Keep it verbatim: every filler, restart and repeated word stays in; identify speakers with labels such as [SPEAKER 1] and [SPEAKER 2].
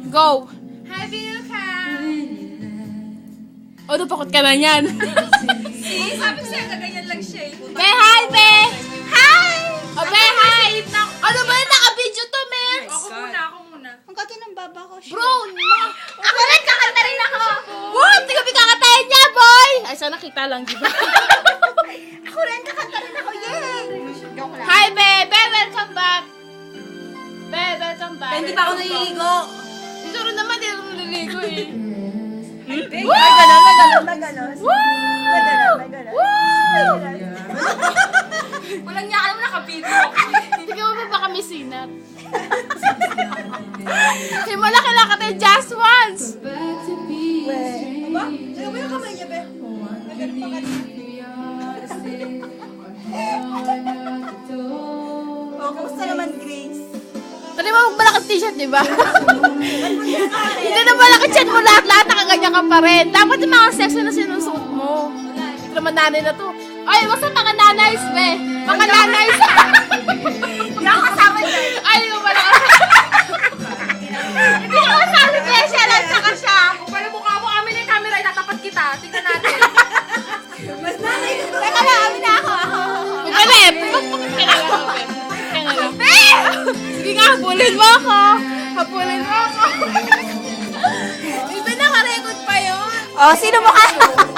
[SPEAKER 1] Go!
[SPEAKER 2] Hi, Vilka!
[SPEAKER 1] O, napakot ka na yan.
[SPEAKER 2] See, sabi ko sa'yo, kaganyan lang siya eh.
[SPEAKER 1] Be, hi, be!
[SPEAKER 2] Hi!
[SPEAKER 1] O, be, hi! Ano ba yun? Naka-video to, men?
[SPEAKER 2] Ako muna, ako muna.
[SPEAKER 3] Ang kati ng baba ko. Shit.
[SPEAKER 1] Bro, mga...
[SPEAKER 3] Ako rin, kakanta rin ako.
[SPEAKER 1] What? Hindi kami kakatayin niya, boy! Ay, sana kita lang, di ba?
[SPEAKER 3] Ako rin, kakanta rin ako. Yay! Joke lang.
[SPEAKER 1] Hi, be! Be, welcome back! Be, welcome back.
[SPEAKER 3] Hindi pa ako naliligo.
[SPEAKER 1] Siguro naman, di ako naliligo eh.
[SPEAKER 3] May ganon, may ganon, may ganon.
[SPEAKER 1] Woo!
[SPEAKER 3] May ganon, may ganon.
[SPEAKER 1] Woo!
[SPEAKER 2] Walang niya, alam mo nakabito.
[SPEAKER 1] Hindi ka ba baka may sinat? Himala kailangan ka tayo just once!
[SPEAKER 3] Weh. Aba? Ano ba yung kamay niya, be? May ganon pa kanina. Oh, kumusta naman, Grace?
[SPEAKER 1] Tali mo magbalakad t-shirt, di ba? Hindi na balakad chan mo lahat-lahat, nakaganyan ka pa rin. Dapat yung mga sexy na sinusuot mo. Ito naman nanay na to. Ay, what's up mga nanays, be? Mga nanays!
[SPEAKER 3] Hindi ako kasama dyan.
[SPEAKER 1] Ay, hindi mo pala Hindi ko kasali, be. Siya lang, saka siya.
[SPEAKER 2] Kung pala mukha mo, amin na yung camera, itatapat kita. Tingnan natin.
[SPEAKER 3] Mas nanay ko. Teka lang, amin na ako. Ako.
[SPEAKER 1] Magkalip! Bakit ka na lang, be? Bakit ka na lang. Sige nga, habulin mo ako. Habulin mo ako. Iba nakarecord pa yun.
[SPEAKER 3] Oh, sino mo ka?